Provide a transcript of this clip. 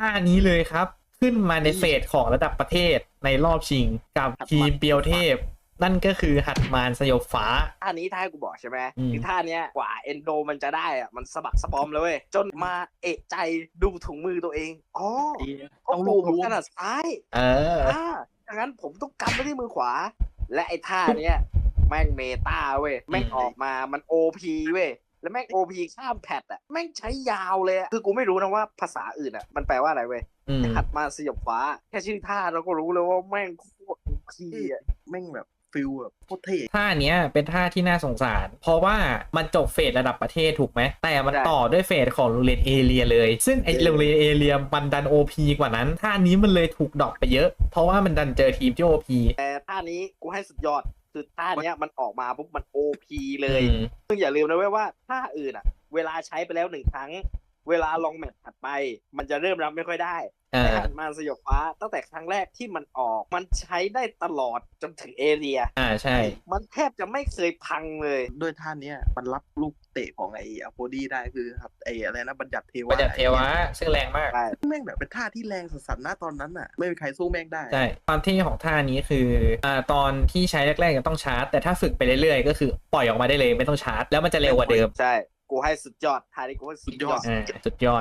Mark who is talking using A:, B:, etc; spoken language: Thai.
A: ท่านี้เลยครับขึ้นมาในเฟสของระดับประเทศในรอบชิงกับทีมเปียวเทพ นั่นก็คือหัดมารสยบฟ้า
B: ท่านี้ถ้าให้กูบอกใช่ไหม
A: อืม
B: คือท่าเนี้ยกว่าเอนโดมันจะได้อะมันสะบักสะบอมเลยเว้ยจนมาเอะใจดูถุงมือตัวเองอ๋อเขาปูผมถนัดซ้าย
A: เออ
B: ดังนั้นผมต้องกำไว้ที่มือขวา และไอ้ท่าเนี้ยแม่งเมตาเว้ยแม่งออกมามันโอพีเว้ยแล้วแม่งโอพีข้ามแพทอ่ะแม่งใช้ยาวเลยอะคือกูไม่รู้นะว่าภาษาอื่นอ่ะมันแปลว่าอะไรเว้ย
A: อืม
B: หัดมาสยบฟ้าแค่ชื่อท่าเราก็รู้เลยว่าแม่งโคตรพีอ่ะ
C: แม่งแบบฟิลแบบโคตรเท่
A: ท่าเนี้ยเป็นท่าที่น่าสงสาร เพราะว่ามันจบเฟสระดับประเทศถูกไหม แต่มันต่อด้วยเฟสของโรงเรียนเอเรียเลย ซึ่งไอโรงเรียนเอเรียมันดันโอพีกว่านั้น ท่านี้มันเลยถูกดรอปไปเยอะ เพราะว่ามันดันเจอทีมที่โอพี
B: แต่ท่านี้กูให้สุดยอดคือท่าเนี้ยมันออกมาปุ๊บมันโอพีเลย
A: อืม
B: ซึ่งอย่าลืมนะเว้ยว่าท่าอื่นอ่ะ เวลาใช้ไปแล้ว1 ครั้ง เวลาลองแมตช์ถัดไป มันจะเริ่มรับไม่ค่อยได้แต่หันมาสยบฟ้าตั้งแต่ครั้งแรกที่มันออกมันใช้ได้ตลอดจนถึงเอเรีย
A: ใช่
B: มันแทบจะไม่เคยพังเลย
C: ด้วยท่าเนี้ยมันรับลูกเตะของไอ้อโพดี้ได้คือครับไอ้อะไรนะบัญญัติเท
A: ประ
C: วะ
A: จัดเทวะซึ่งแรงมาก
B: ใช่
C: แม่งแบบเป็นท่าที่แรงสัสๆนะตอนนั้นอ่ะไม่มีใครสู้แม่งได้
A: ใช่ ความเท่ของท่านี้คือตอนที่ใช้แรกๆยังต้องชาร์จ แต่ถ้าฝึกไปเรื่อยๆ ก็คือปล่อยออกมาได้เลยไม่ต้องชาร์จ แล้วมันจะเร็วกว่าเดิม
B: ใช่ กูให้สุดยอดท่านี้กูให้สุดยอด
A: สุดยอด